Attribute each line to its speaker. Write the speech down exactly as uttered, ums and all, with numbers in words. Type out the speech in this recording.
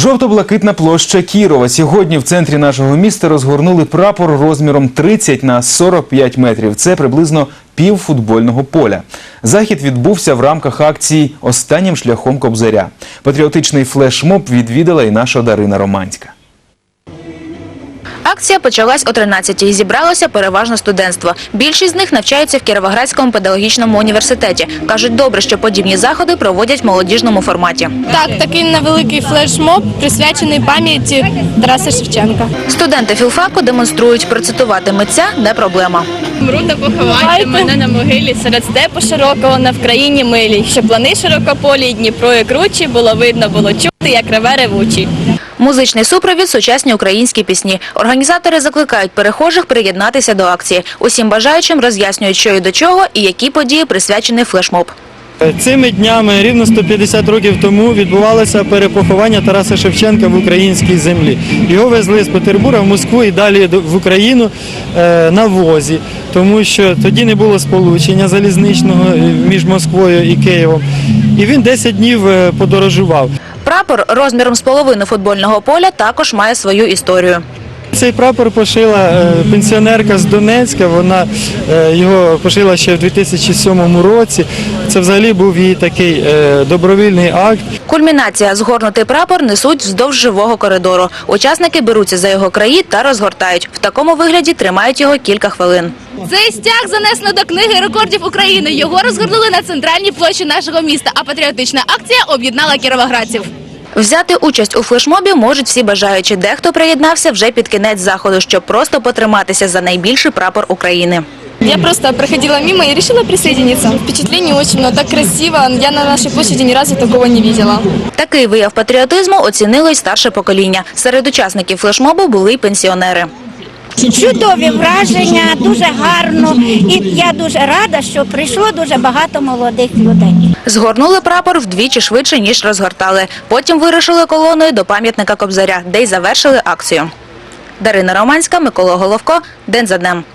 Speaker 1: Жовто-блакитна площа Кірова. Сьогодні в центрі нашого міста розгорнули прапор розміром тридцять на сорок п'ять метрів. Це приблизно пів футбольного поля. Захід відбувся в рамках акції «Останнім шляхом Кобзаря». Патріотичний флешмоб відвідала і наша Дарина Романська.
Speaker 2: Акція почалась о тринадцятій і зібралося переважно студентство. Більшість з них навчаються в Кіровоградському педагогічному університеті. Кажуть, добре, що подібні заходи проводять в молодіжному форматі.
Speaker 3: Так, такий невеликий флешмоб, присвячений пам'яті Тараса Шевченка.
Speaker 2: Студенти філфаку демонструють, процитувати митця – не проблема.
Speaker 3: Мру та поховайте мене на могилі, серед степу широкого на Вкраїні милій, щоб плани широкополі й Дніпро і кручі було видно, було чути, як реве ревучий.
Speaker 2: Музичний супровід – сучасні українські пісні. Організатори закликають перехожих приєднатися до акції. Усім бажаючим роз'яснюють, що і до чого, і які події присвячений флешмоб.
Speaker 4: Цими днями, рівно сто п'ятдесят років тому, відбувалося перепоховання Тараса Шевченка в українській землі. Його везли з Петербурга в Москву і далі в Україну на возі, тому що тоді не було сполучення залізничного між Москвою і Києвом. І він десять днів подорожував.
Speaker 2: Прапор розміром з половину футбольного поля також має свою історію.
Speaker 4: Цей прапор пошила пенсіонерка з Донецька, вона його пошила ще в дві тисячі сьомому році. Це взагалі був її такий добровільний акт.
Speaker 2: Кульмінація – згорнутий прапор несуть вздовж живого коридору. Учасники беруться за його краї та розгортають. В такому вигляді тримають його кілька хвилин.
Speaker 3: Цей стяг занесено до книги рекордів України. Його розгорнули на центральній площі нашого міста, а патріотична акція об'єднала кіровоградців.
Speaker 2: Взяти участь у флешмобі можуть всі бажаючі. Дехто приєднався вже під кінець заходу, щоб просто потриматися за найбільший прапор України.
Speaker 3: Я просто проходила мимо и решила присоединиться. Впечатлений очень много, так красиво. Я на нашей площади ни разу такого не видела.
Speaker 2: Такий вияв патріотизму оцінило й старше покоління. Серед учасників флешмобу були й пенсіонери.
Speaker 5: Чудові враження, дуже гарно. І я дуже рада, що прийшло дуже багато молодих людей.
Speaker 2: Згорнули прапор вдвічі швидше, ніж розгортали. Потім вирушили колоною до пам'ятника Кобзаря, де й завершили акцію. Дарина Романська, Микола Головко. День за днем.